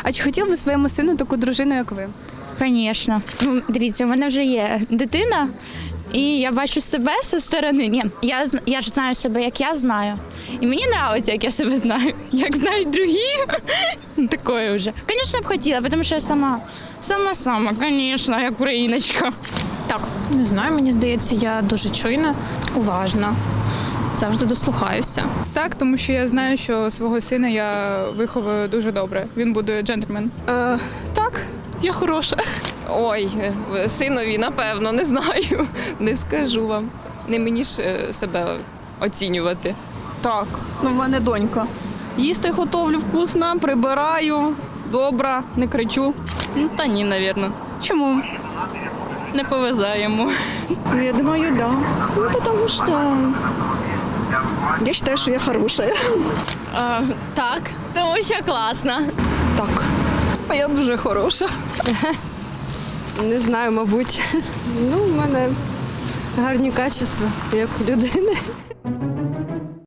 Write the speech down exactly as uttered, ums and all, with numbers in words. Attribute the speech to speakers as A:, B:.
A: А чи хотів би своєму сину таку дружину, як ви?
B: Звісно. Ну, дивіться, у мене вже є дитина, і я бачу себе зі сторони. Ні, я, зн- я ж знаю себе, як я знаю. І мені подобається, як я себе знаю. Як знають другі, такое вже. Звісно, б хотіла, тому що я сама, сама-сама, звісно, як україночка. Так.
C: Не знаю, мені здається, я дуже чуйна, уважна, завжди дослухаюся.
D: Так, тому що я знаю, що свого сина я виховую дуже добре. Він буде джентльмен.
E: Е, так, я хороша. Ой, е, синові, напевно, не знаю. Не скажу вам. Не мені ж е, себе оцінювати.
F: Так, ну в мене донька. Їсти готовлю вкусно, прибираю, добра, не кричу.
G: Ну, та ні, навірно.
A: Чому?
G: Не повезе йому.
H: Ну, я думаю, да. Ну, потому что я считаю, что я хорошая.
B: А, так, тому що класно.
H: Так.
F: А я дуже хороша.
I: Не знаю, мабуть. Ну, в мене гарні качества, як у людини.